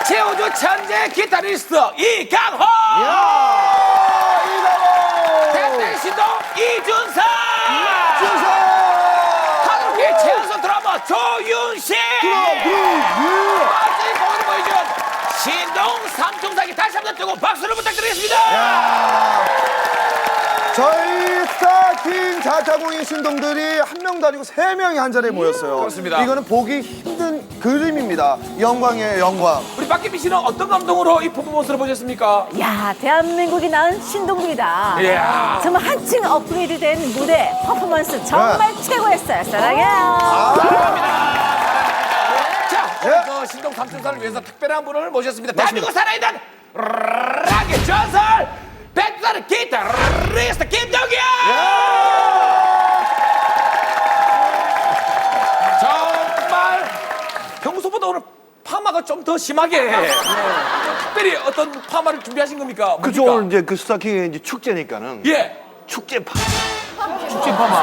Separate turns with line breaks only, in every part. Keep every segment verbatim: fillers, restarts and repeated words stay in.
최우주 천재 기타리스트 이강호.
야, 이강호.
대대 신동 이준석.
준석.
한국의 최연소 드라마 조윤식. 멋진 공을 보여준 신동 삼총사기 다시 한번 뜨고 박수를 부탁드리겠습니다.
야. 저희 스타킹 자타공인 신동들이 한 명도 아니고 세 명이 한 자리에 모였어요.
그렇습니다.
이거는 보기 힘든 그림입니다. 영광이에요, 영광.
우리 박기빈 씨는 어떤 감동으로 이 퍼포먼스를 보셨습니까?
야, 대한민국이 낳은 신동들이다.
이야.
정말 한층 업그레이드된 무대, 퍼포먼스 정말 최고였어요. 사랑해요.
자, 오늘
예.
그 신동 삼총사를 위해서 특별한 분을 모셨습니다. 대한민국 살아있는 락의 전설 백두산의 기타리스트 김정현. 정말 평소보다 오늘 파마가 좀 더 심하게 특별히 어떤 파마를 준비하신 겁니까?
그죠.
뭡니까?
오늘 이제 그 스타킹의 이제 축제니까는
예.
축제 파.
축제 파마.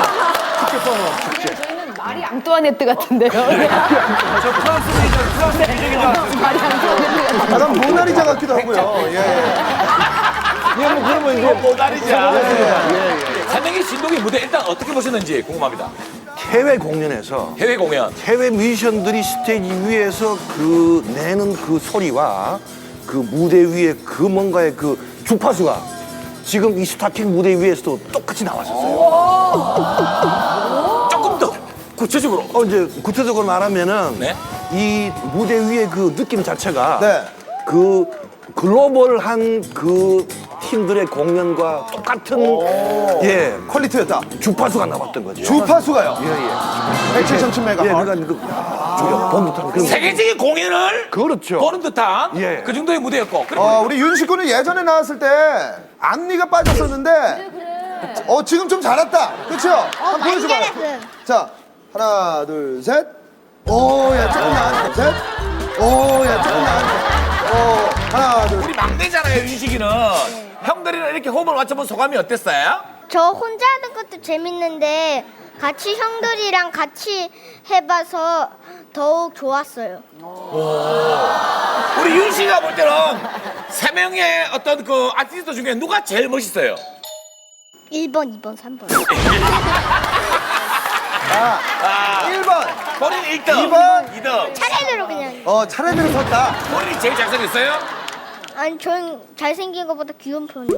마리 앙뚜아네트 같은데요.
저 프랑스 미적, 프랑스 미적이다.
마리 앙뚜아네트 같은.
약간 모나리자 같기도 하고요. 예.
예, 뭐 그러면 이제
모나리자.
예, 예.
세 명의 신동의 무대 일단 어떻게 보셨는지 궁금합니다.
해외 공연에서
해외 공연.
해외 뮤지션들이 스테이지 위에서 그 내는 그 소리와 그 무대 위에 그 뭔가의 그 주파수가 지금 이 스타킹 무대 위에서도 똑같이 나왔었어요.
조금 더 구체적으로.
어, 이제 구체적으로 말하면은
네?
이 무대 위의 그 느낌 자체가
네.
그 글로벌한 그 팀들의 공연과 똑같은 예
퀄리티였다.
주파수가 나왔던 거죠.
주파수가요.
예, 예.
백칠점칠 메가.
예, 그러니까 그 저기 본 듯한 그런
세계적인 공연을
그렇죠.
보는 듯한
예.
그 정도의 무대였고. 그리고
어, 우리 윤식 군은 예전에 나왔을 때 앞니가 빠졌었는데 어, 지금 좀 자랐다. 그렇죠? 한번 보여줘봐. 자, 하나, 둘, 셋. 오, 야, 조금 나왔네. 셋. 오, 야, 조금 나왔네. 어, 하나, 둘.
우리 막내잖아요, 윤식이는. 형들이랑 이렇게 호흡을 맞춰본 소감이 어땠어요?
저 혼자 하는 것도 재밌는데 같이 형들이랑 같이 해봐서 더욱 좋았어요.
우리 윤식이가 볼 때는 세 명의 어떤 그 아티스트 중에 누가 제일 멋있어요?
일 번, 이 번, 삼 번.
아, 일 번.
본인 일 등,
이 번.
이 등.
차례대로 그냥.
어, 차례대로 섰다.
본인이 제일 잘생겼어요?
아니, 전 잘생긴 것보다 귀여운 편이에요.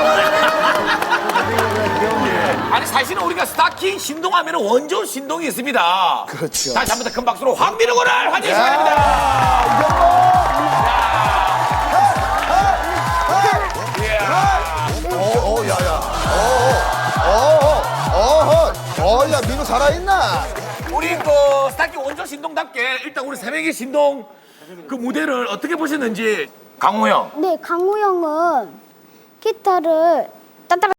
아니 사실은 우리가 스타킹 신동하면 원조 신동이 있습니다.
그렇죠.
다시 한 번 더 큰 박수로 황민우 군을 환영해 시간입니다.
어, 어, 야, 야. 어, 어, 어, 어, 어, 야, 민우 살아있나?
우리 그 스타킹 원조 신동답게 일단 우리 세 명의 신동 그 무대를 어떻게 보셨는지 강호 형.
네, 강우 형은 기타를 따따라